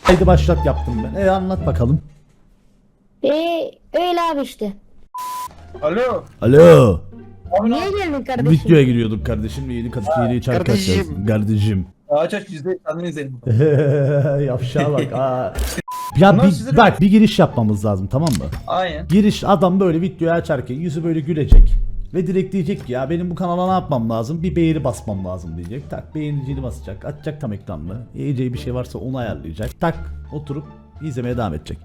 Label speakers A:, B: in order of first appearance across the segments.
A: Haydi başlat yaptım ben. Anlat bakalım.
B: Öyle abi işte.
C: Alo.
A: Alo.
B: Niye geldin kardeşim?
A: Videoya giriyorduk kardeşim. Yeni Kadıköy'de şarkı açacağız. Kardeşim.
C: Aç yüzde kendini izleyelim.
A: Yavşağa bak. Ya
C: Bunlar size
A: bak bir giriş yapmamız lazım, tamam mı?
C: Aynen.
A: Giriş, adam böyle videoyu açarken yüzü böyle gülecek. Ve direkt diyecek ki ya benim bu kanala ne yapmam lazım? Bir beğeni basmam lazım diyecek. Tak, beğeniciyi basacak. Açacak tam ekranını. Yiyeceği bir şey varsa onu ayarlayacak. Tak, oturup izlemeye devam edecek.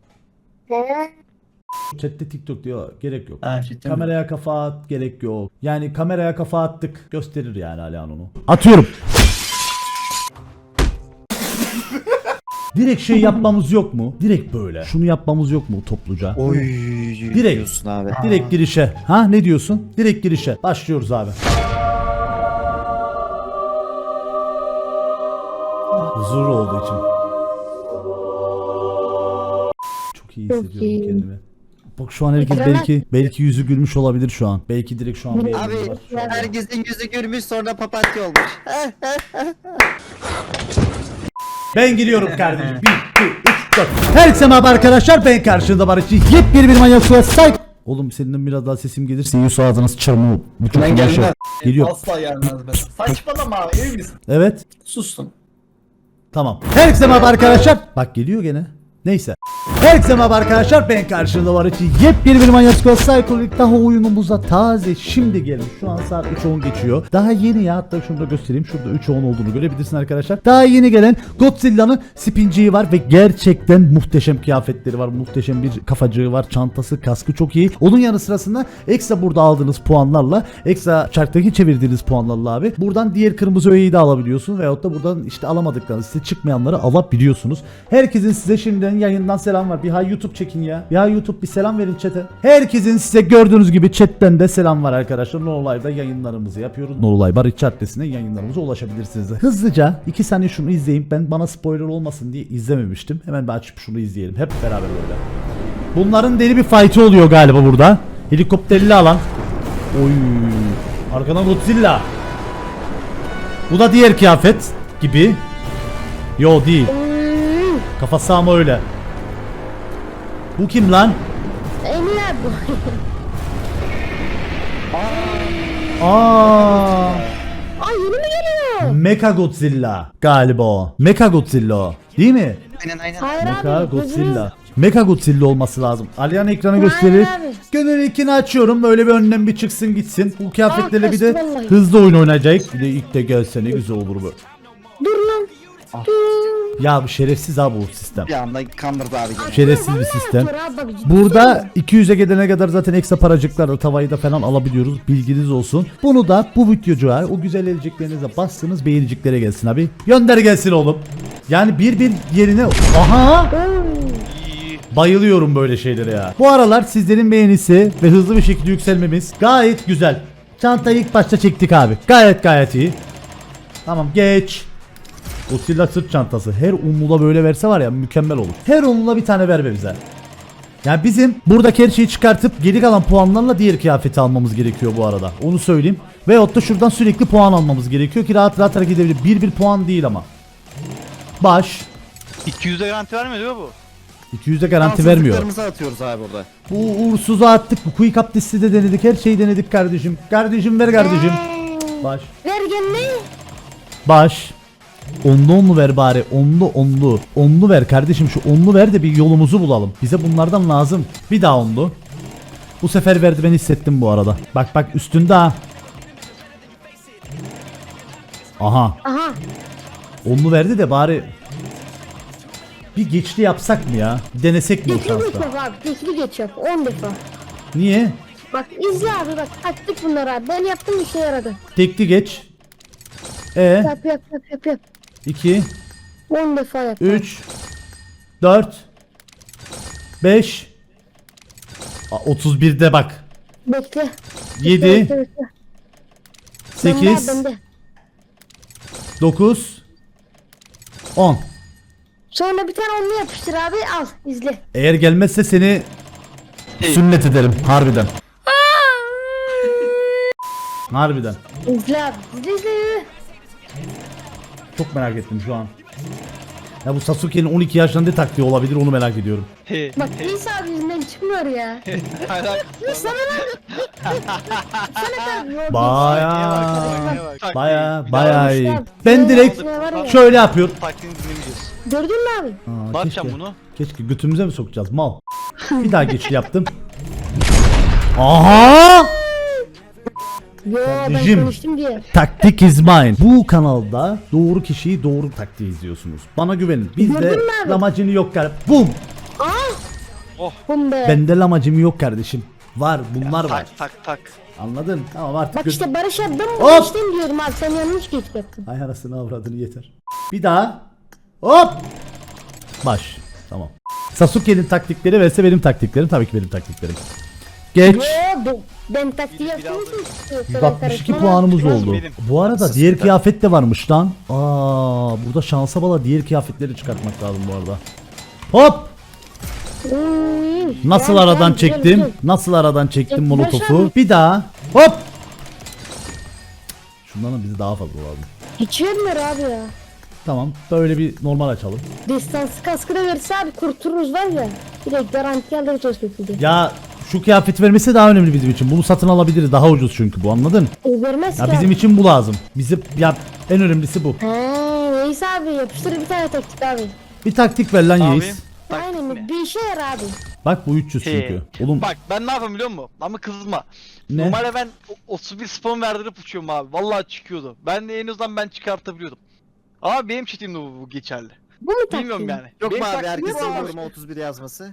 A: Chat'te TikTok diyor, gerek yok.
C: Ha, cidden mi?
A: Kameraya kafa at, gerek yok. Yani kameraya kafa attık, gösterir yani Alihan onu. Atıyorum. Direkt şey yapmamız yok mu? Direkt böyle. Şunu yapmamız yok mu topluca?
D: Oy
A: Direkt.
D: diyorsun abi.
A: Direkt girişe. Ha, ne diyorsun? Direkt girişe. Başlıyoruz abi. Huzur olduğu için. Çok iyi hissediyorum
B: iyi.
A: kendimi. Bak şu an herkes belki yüzü gülmüş olabilir şu an. Belki direkt şu an
D: Abi
A: beğeniyorlar.
D: herkesin yüzü gülmüş sonra papatya olmuş.
A: Ben giriyorum kardeşim. 1, 2, 3, 4. Herkese merhaba arkadaşlar. Ben karşınızda Barışçı. Yepyeni bir manyak suya sahip. Oğlum senin biraz daha sesim gelirse Yusuf ağzına sıçarım o. Bu çok
C: Ben
A: uğraşıyor.
C: gelmem.
A: Geliyor.
C: Asla gelmez be. Saçmalama abi, ev misin?
A: Evet.
C: Sustum.
A: Tamam. Herkese merhaba arkadaşlar. Bak geliyor gene. Neyse. Herkese merhaba arkadaşlar. Ben karşınızda var için yepyeni bir Manyak Squad Psycho'lik daha oyunumuza taze şimdi gelmiş. Şu an saat 3:10 geçiyor. Daha yeni ya, hatta şunu da göstereyim. Şurada 3:10 olduğunu görebilirsin arkadaşlar. Daha yeni gelen Godzilla'nın spinciği var ve gerçekten muhteşem kıyafetleri var. Muhteşem bir kafacığı var. Çantası, kaskı çok iyi. Onun yanı sırasında ekstra burada aldığınız puanlarla, ekstra çarktaki çevirdiğiniz puanlarla abi buradan diğer kırmızı öğeyi de alabiliyorsun veyahut da buradan işte alamadıklarınız, size çıkmayanları alabiliyorsunuz. Herkesin size şimdiden yayından selam var. Bir hay YouTube çekin ya. Bir hay YouTube, bir selam verin chat'e. Herkesin size gördüğünüz gibi chatten de selam var arkadaşlar. No Live'da yayınlarımızı yapıyoruz. No Live Barış adresine yayınlarımıza ulaşabilirsiniz. Hızlıca 2 saniye şunu izleyeyim. Ben bana spoiler olmasın diye izlememiştim. Hemen bir açıp şunu izleyelim. Hep beraber böyle. Bunların deli bir fight'ı oluyor galiba burada. Helikopterli alan. Oy. Arkadan Godzilla. Bu da diğer kıyafet gibi. Yo değil. Kafası ama öyle. Bu kim lan?
B: Emir abi bu.
A: Aa,
B: Yeni mi geliyor?
A: Mecha Godzilla galiba o. Mecha Godzilla o. Değil mi?
D: Aynen.
B: Hayır
A: Mecha
B: abi.
A: Godzilla. Mecha Godzilla olması lazım. Alihan ekranı gösterir.
B: abi.
A: Gönül ikini açıyorum. Böyle bir önünden bir çıksın gitsin. Bu kıyafetlerle bir de
B: kaçtı vallahi.
A: hızlı oyun oynayacak. Bir de ilk de gelse ne güzel olur bu.
B: Dur lan.
A: Ya bu şerefsiz abi bu sistem.
D: Bir anda kandırdı abi. gene.
A: Şerefsiz bir sistem.
B: Dur abi, bak,
A: Burada 200'e gelene kadar zaten ekstra paracıklarla tavayı da falan alabiliyoruz. Bilginiz olsun. Bunu da bu videocuğa o güzel eliciklerinize bastığınız beğeniciklere gelsin abi. Gönder gelsin oğlum. Yani bir yerine... Aha! Bayılıyorum böyle şeylere ya. Bu aralar sizlerin beğenisi ve hızlı bir şekilde yükselmemiz gayet güzel. Çantayı ilk başta çektik abi. Gayet iyi. Tamam geç. Godzilla sırt çantası. Her umlula böyle verse var ya mükemmel olur. Her umlula bir tane ver be bize. Yani bizim buradaki her şeyi çıkartıp geri kalan puanlarla diğer kıyafeti almamız gerekiyor bu arada. Onu söyleyeyim. Veyahut da şuradan sürekli puan almamız gerekiyor ki rahat hareket edebilir. Bir puan değil ama. Baş.
E: 200'e garanti vermiyor değil mi bu?
A: 200'e garanti vermiyor.
D: Şansızlıklarımızı atıyoruz abi burada.
A: Bu uğursuzu attık. Bu quick up listi de denedik. Her şeyi denedik kardeşim. Kardeşim ver kardeşim. Baş.
B: Ver gelme.
A: Baş. Onlu ver bari. Onlu. Onlu ver kardeşim, şu onlu ver de bir yolumuzu bulalım. Bize bunlardan lazım. Bir daha onlu. Bu sefer verdi, ben hissettim bu arada. Bak üstünde ha. Aha. Onlu verdi de bari bir geçli yapsak mı ya? Denesek mi o
B: Geçli
A: şansta?
B: geç yap abi. Geçli geç yap. 10 defa.
A: Niye?
B: Bak izle abi, bak attık bunları abi. Ben yaptım, işe yaradı.
A: Tekli geç.
B: Yap.
A: 2
B: 10 defa yap.
A: 3 4 5 31'de bak.
B: Bekle.
A: 7
B: Bekle.
A: 8
B: Bende.
A: 9 10.
B: Sonra bir tane onlu yapıştır abi, al izle.
A: Eğer gelmezse seni sünnet ederim harbiden. Harbiden.
B: İzle abi. İzle.
A: Çok merak ettim şu an. Ya bu Sasuke'nin 12 yaşında ne taktiği olabilir onu merak ediyorum.
E: He.
B: Bak İsa abi yüzünden çıkmıyor ya.
E: Hala-
B: Sana kadar
A: Baya
E: Bak,
A: baya iyi.
B: Yanlış
A: Ben
B: lan.
A: direkt
B: Ne var ya?
A: şöyle yapıyorum.
E: Taktiğini dinlemeyeceğiz.
B: Gördün mü abi?
A: Aa,
E: Ne yapacağım bunu?
A: Keşke götümüze mi sokacağız mal. Bir daha geçiş yaptım. Aha!
B: Yo ben
A: Kardeşim.
B: konuştum diye.
A: Taktik is mine. Bu kanalda doğru kişiyi doğru taktiği izliyorsunuz. Bana güvenin. Bizde
B: Gördün mü abi?
A: lamacını yok kardeşim. Bum!
B: Bum be.
A: Bende lamacım yok kardeşim. Var bunlar var.
E: Tak.
A: Anladın? Tamam artık.
B: Bak işte Barış abi ben
A: Hop!
B: geçtim diyorum abi sen yanlış geç yaptın.
A: Ay arasını avradını yeter. Bir daha. Hop! Baş. Tamam. Sasuke'nin taktikleri vs benim taktiklerim. Tabii ki benim taktiklerim. Geç.
B: Yo ben taktiği yaptım mı?
A: 162 puanımız oldu.
E: benim.
A: Bu arada diğer kıyafet de varmış lan. Burada şansa bala diğer kıyafetleri çıkartmak lazım bu arada. Hop! Nasıl aradan çektim? Nasıl aradan çektim
B: Çek,
A: molotofu?
B: başardım.
A: Bir daha. Hop! Şundan da bize daha fazla lazım.
B: Hiç vermiyor abi ya.
A: Tamam. Böyle bir normal açalım.
B: Destansı kaskı da verirse abi kurtuluruz var ya. Direkt garanti alırız o şekilde.
A: Ya şu kıyafet vermesi daha önemli bizim için. Bunu satın alabiliriz. Daha ucuz çünkü bu, anladın?
B: O vermez
A: Ya
B: ki
A: bizim
B: abi.
A: için bu lazım. Bizim ya en önemlisi bu.
B: Neyse abi yapıştır bir tane taktik abi.
A: Bir taktik ver lan
E: Abi.
A: Yeis.
B: Aynen bir işe yarar abi.
A: Bak bu 300 çünkü. Oğlum
E: Bak ben ne yapayım biliyor musun? Ama kızma.
A: Ne?
E: Normalde ben 31 spawn verdirip uçuyorum abi. Vallahi çıkıyordu. Ben de en azından ben çıkartabiliyordum. Ama benim çetimde bu geçerli.
B: Bu mu taktik?
E: Bilmiyorum yani.
D: Yok
E: Benim
D: mu abi
E: taktiğim
D: herkesin
E: bu.
D: yoruma 31 yazması?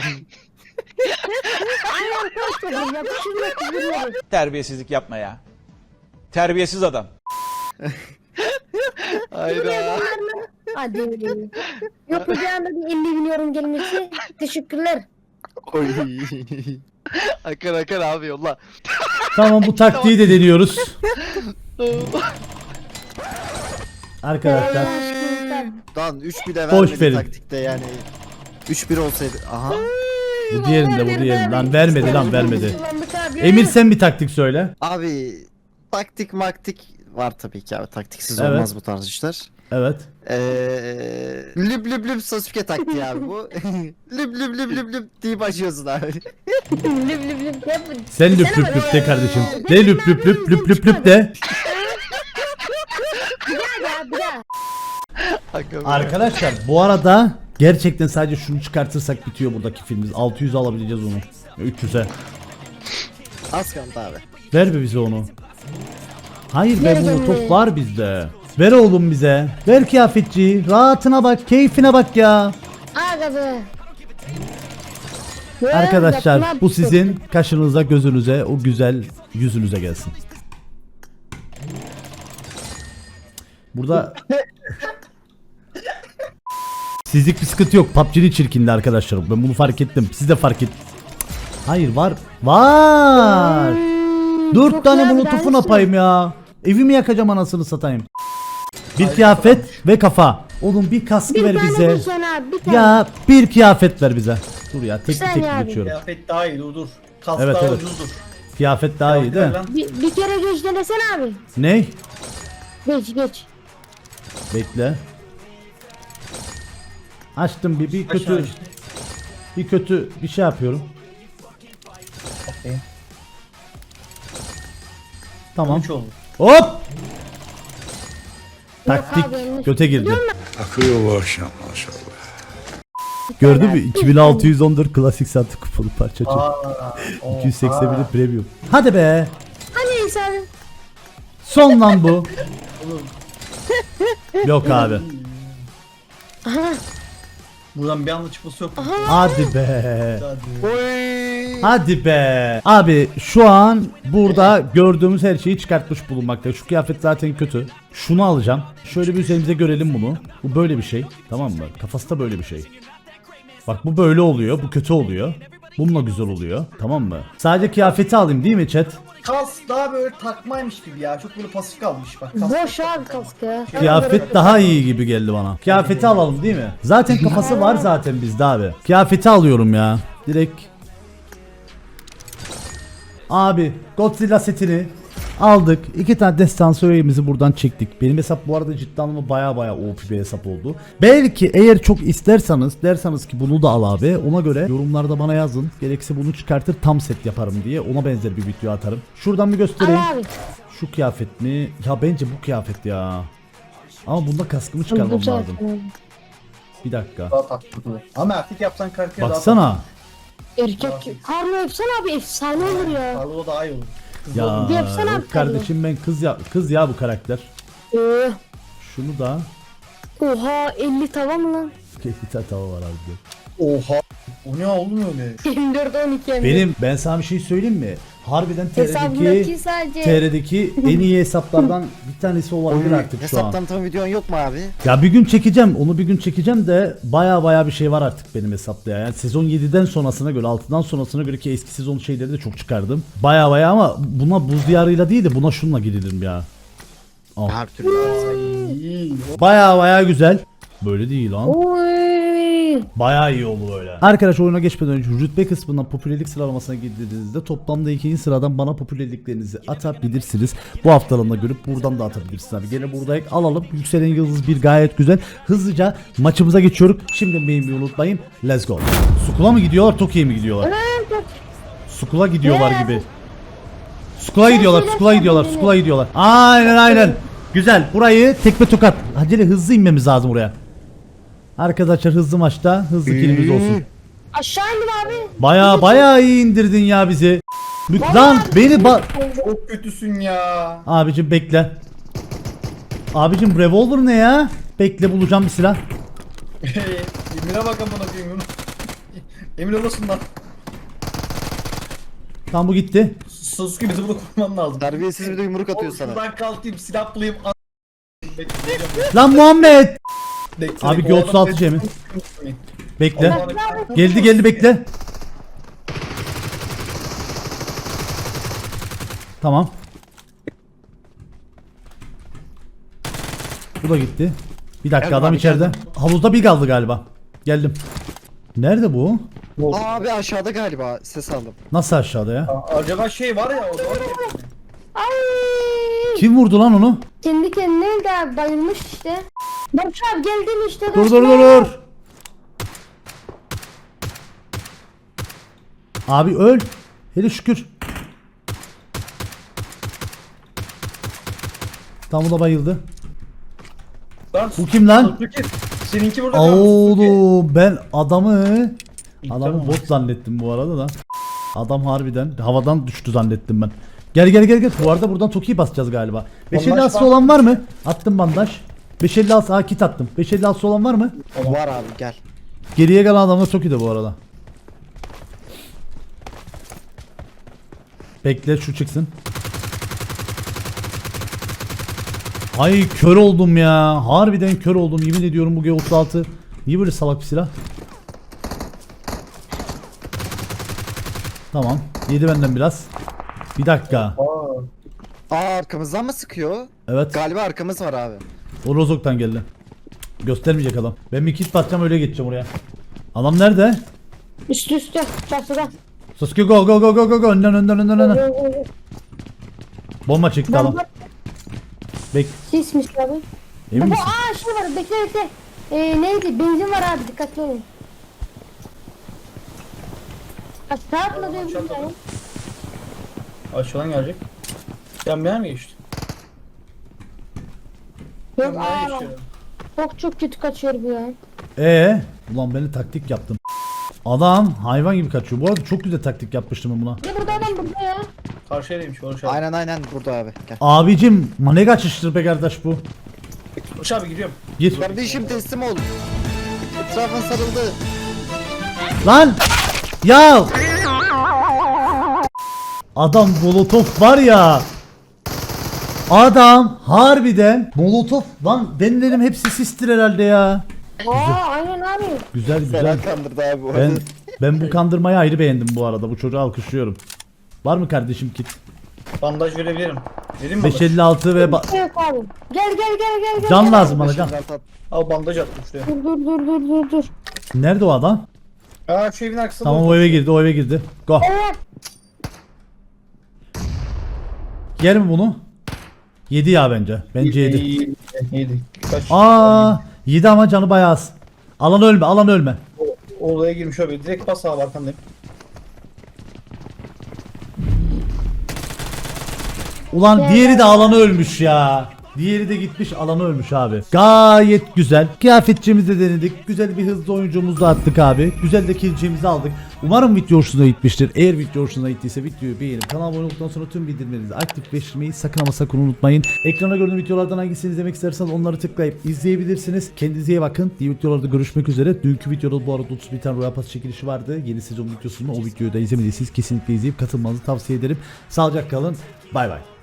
B: Aynen koşturun yapıştır yapıştır.
F: Terbiyesizlik yapma ya. Terbiyesiz adam.
E: Hayda.
B: Hadi öyle. Yok bir anda bir 50 bin yorum gelmesi. Teşekkürler.
E: Akar abi yolla.
A: tamam, bu taktiği de deniyoruz. Arkadaşlar
D: Lan 3 de
A: Boş
D: vermedi
A: verin.
D: taktikte yani. 3-1 olsaydı. Aha.
A: bu diğerinde, bu diğerinde. Lan vermedi lan vermedi.
B: Kullandık abi.
A: Emir sen bir taktik söyle.
D: Abi taktik maktik var tabii ki abi. Taktiksiz
A: Evet.
D: olmaz bu tarz işler.
A: Evet.
D: Lüb lüb lüb Sasuke taktiği abi bu. lüb lüb lüb lüb lüb deyip açıyorsun abi.
B: Lüp lüp lüp yap.
A: Sen lüp
B: Desene
A: lüp lüp
B: bana.
A: de kardeşim. Ne lüp lüp lüp lüp lüp lüp de.
B: Bir daha ya bir daha.
A: Arkadaşlar bu arada gerçekten sadece şunu çıkartırsak bitiyor buradaki filmimiz. 600 alabileceğiz onu. 300'e.
D: Az kaldı abi.
A: Ver be bize onu. Hayır be,
B: Ver
A: bu
B: beni.
A: top var bizde. Ver oğlum bize. Ver kıyafetçi. Rahatına bak, keyfine bak ya.
B: Aga be.
A: Arkadaşlar
B: Yapma
A: bu
B: bir şey.
A: sizin kaşınıza, gözünüze, o güzel yüzünüze gelsin. Burada sizlik bir sıkıntı yok. PUBG'nin çirkindi arkadaşlar. Ben bunu fark ettim. Siz de fark et. Hayır, var. Var. 4
B: çok
A: tane
B: iyi abi,
A: molotofun
B: hangisi?
A: apayım ya. Evimi yakacağım anasını satayım. Bir kıyafet ve kafa. Oğlum bir kaskı
B: Bir
A: ver
B: tane
A: bize.
B: bir tane abi bir tane.
A: Ya bir kıyafet ver bize. Dur ya, tek
B: Sen
A: tek
B: ya abi.
A: geçiyorum.
C: Kıyafet daha iyi dur. Kas
A: Evet,
C: daha
A: evet.
C: ucuzdur.
A: Kıyafet daha iyi değil mi?
C: Lan.
B: Bir kere geç denesene abi.
A: Ne?
B: Geç.
A: Bekle. Açtım bir
C: Aşağı
A: kötü
C: işte.
A: bir kötü bir şey yapıyorum.
C: Okey.
A: Tamam.
C: 3 oldu.
A: Hop! Taktik
B: abi, yanlış.
A: göte girdi.
G: Akıyor bu akşam maşallah.
A: Gördün mü? 2614 klasik saatlik kupalı parça.
C: Aa,
A: 281 premium. Hadi be.
B: Neyse abi.
A: Son lan bu. Yok abi.
C: Buradan bir anda çıkması yok.
A: Hadi be.
D: Oy.
A: Hadi be. Abi şu an burada gördüğümüz her şeyi çıkartmış bulunmakta. Şu kıyafet zaten kötü. Şunu alacağım. Şöyle bir üzerimize görelim bunu. Bu böyle bir şey. Tamam mı? Kafası da böyle bir şey. Bak bu böyle oluyor. Bu kötü oluyor. Bununla güzel oluyor. Tamam mı? Sadece kıyafeti alayım değil mi chat?
C: Kas daha böyle takmaymış gibi ya. Çok böyle pasif kalmış bak. Kas.
B: Boş abi kask ya.
A: Kıyafet daha iyi gibi geldi bana. Kıyafeti alalım değil mi? Zaten kafası var zaten bizde abi. Kıyafeti alıyorum ya. Direkt. Abi Godzilla setini Aldık. 2 tane destansörümüzü buradan çektik. Benim hesap bu arada cidden ama baya OP bir hesap oldu. Belki eğer çok isterseniz derseniz ki bunu da al abi. Ona göre yorumlarda bana yazın. Gerekirse bunu çıkartır tam set yaparım diye. Ona benzer bir video atarım. Şuradan bir göstereyim.
B: Al abi.
A: Şu kıyafet mi? Ya bence bu kıyafet ya. Ama bunda kaskımı çıkarmam
B: Güzel.
A: lazım. Bir dakika.
C: Daha tatlı. Ama erkek yapsan karakter daha
A: Baksana.
B: Erkek. Harbi yapsana abi efsane olur ya.
C: tatlı. Karlo daha iyi olur. Kız
A: Ya
C: olur.
B: Yapsana
A: yok
B: abi
A: kardeşim ben kız ya bu karakter.
B: Ee,
A: Şunu da
B: oha 50 tava mı lan?
A: bir tane tava var abi.
C: Oha. O ne oğlum öyle?
B: 24 12 hem de.
A: Ben sana bir şey söyleyeyim mi? Harbiden
B: Hesabındaki sadece.
A: TR'deki en iyi hesaplardan bir tanesi olabilir artık şu
D: Hesap
A: an.
D: tanıtım videon yok mu abi?
A: Ya bir gün çekeceğim. Onu bir gün çekeceğim de baya bir şey var artık benim hesapta ya. Yani sezon 7'den sonrasına göre 6'dan sonrasına göre ki eski sezon şeyleri de çok çıkardım. Baya ama buna buz diyarıyla değil de buna şunla gidelim ya.
D: Her türlü varsa.
C: İyi.
A: Baya güzel. Böyle değil lan.
B: Oy.
A: Bayağı iyi oldu böyle. Arkadaş oyuna geçmeden önce rütbe kısmından popülerlik sıralamasına girdiğinizde toplamda 2. sıradan bana popülerliklerinizi atabilirsiniz. Bu haftalığına görüp buradan da atabilirsiniz abi. Gene burada alalım. Yükselen yıldız bir gayet güzel. Hızlıca maçımıza geçiyoruz. Şimdi beğenmeyi unutmayın. Let's go. Sukula mı gidiyorlar? Tokyo'ya mı gidiyorlar? Sukula gidiyorlar gibi. Sukula gidiyorlar. Aynen. Güzel. Burayı tekme tokat. Acele hızlı inmemiz lazım buraya. Arkadaşlar hızlı maçta hızlı kilimiz olsun.
B: Aşağı indim abi.
A: Baya iyi indirdin ya bizi. Lan beni
C: Çok kötüsün ya.
A: Abicim bekle. Abicim revolver ne ya? Bekle bulacağım bir silah.
C: Emir'e bak amına koyayım. Emir olasın lan.
A: Tam bu gitti.
C: Sasuke bizi burada koruman lazım.
D: Terbiyesiz bir de yumruk atıyor sana.
C: Şuradan kalkayım silah bulayım.
A: Lan Muhammed.
C: Bekle,
A: Abi
C: o adam
A: G36
C: beni-
A: Cem'i. Bekle.
C: Allah'ım-
A: Geldi bekle. Tamam. Bu da gitti. Bir dakika
D: Geldim
A: adam
D: abi,
A: içeride.
D: geldim.
A: Havuzda bir kaldı galiba. Geldim. Nerede bu?
D: Abi aşağıda galiba ses aldım.
A: Nasıl aşağıda ya?
C: Acaba şey var ya o da var ya.
B: Ay.
A: Kim vurdu lan onu?
B: Kendi kendine de bayılmış işte. Barış abi geldim işte.
A: Dur. Abi öl. Hele şükür. Tam bu da bayıldı.
C: Lan
A: Bu kim lan?
C: Sasuke, seninki burada kalmış Sasuke.
A: Oğlum ben adamı bot zannettim bu arada da. Adam harbiden havadan düştü zannettim ben. Gel. Bu arada buradan Toki'yi basacağız galiba. 556
C: var.
A: olan var mı? Attım bandaj. 556 kit attım. 556 olan var mı?
D: Var abi gel.
A: Geriye kalan adam da Toki'de bu arada. Bekle şu çıksın. Ay kör oldum ya. Harbiden kör oldum. Yemin ediyorum bu G36. Niye böyle salak bir silah? Tamam. Yedi benden biraz. Bir dakika.
D: Arkamızdan mı sıkıyor?
A: Evet.
D: Galiba arkamız var abi.
A: O Rozok'tan geldi. Göstermeyecek adam. Ben bir kit basacağım öyle geçeceğim oraya. Adam nerede?
B: Üstü çatıda.
A: Sasuke go. Önden. Bomba çıktı adam. Bek.
B: Sismiş abi.
A: Emin
B: Baba
A: misin?
B: şey var bekle. Neydi? Benzin var abi dikkatli olun. Aşağı atla diyebilirim yani.
C: Aşağıdan gelecek. Sen bir yer mi geçtin?
B: Yok
C: Sen bir yer
B: aa.
C: geçtin.
B: Çok kötü kaçıyor bu ya.
A: Ulan beni taktik yaptım. Adam hayvan gibi kaçıyor. Bu arada çok güzel taktik yapmıştım ben buna.
B: Bir de burada adam burada ya.
C: Karşıya değilmiş Barış abi.
D: Aynen burada abi. Gel.
A: Abicim ne kaçıştır be kardeş bu?
C: Barış abi gidiyorum.
A: Gir.
D: Kardeşim teslim ol. Etrafın sarıldı.
A: Lan! Ya! Adam molotof var ya. Adam harbiden molotof lan ben dedim hepsi sistir herhalde ya.
B: Aynen abi.
A: Güzel.
D: Fena kandırdı abi bu
A: Ben
D: arada.
A: ben bu kandırmayı ayrı beğendim bu arada. Bu çocuğu alkışlıyorum. Var mı kardeşim kit?
C: Bandaj verebilirim. Vereyim mi bandaj?
A: 556 ve
B: Yok abi. Gel.
A: can lazım bana can.
C: Al bandaj attım şuraya.
B: Dur.
A: Nerede o adam?
C: Aa şu evin arkasında.
A: Tamam o eve girdi. Go.
B: Evet.
A: Yer mi bunu? Yedi ya bence. Bence yedi.
C: Yedi. Kaç?
A: Yedi ama canı bayağı az. Alan ölme, alan ölme.
C: Olaya girmiş abi. Direkt bas abi arkandayım.
A: Ulan diğeri de alanı ölmüş ya. Diğeri de gitmiş alanı ölmüş abi. Gayet güzel. Kıyafetçimizi de denedik. Güzel bir hızlı oyuncumuzu da attık abi. Güzel de kill'cimizi aldık. Umarım video hoşuna gitmiştir. Eğer video hoşuna gittiyse videoyu beğenip kanala abone olduktan sonra tüm bildirimlerinizi aktifleştirmeyi sakın ama sakın unutmayın. Ekrana gördüğüm videolardan hangisini izlemek isterseniz onları tıklayıp izleyebilirsiniz. Kendinize iyi bakın. Diğer videolarda görüşmek üzere. Dünkü videoda bu arada 31 tane Royal Pass çekilişi vardı. Yeni sezon videosunu o videoyu da izlemediyseniz kesinlikle izleyip katılmanızı tavsiye ederim. Sağlıcakla kalın. Bay bay.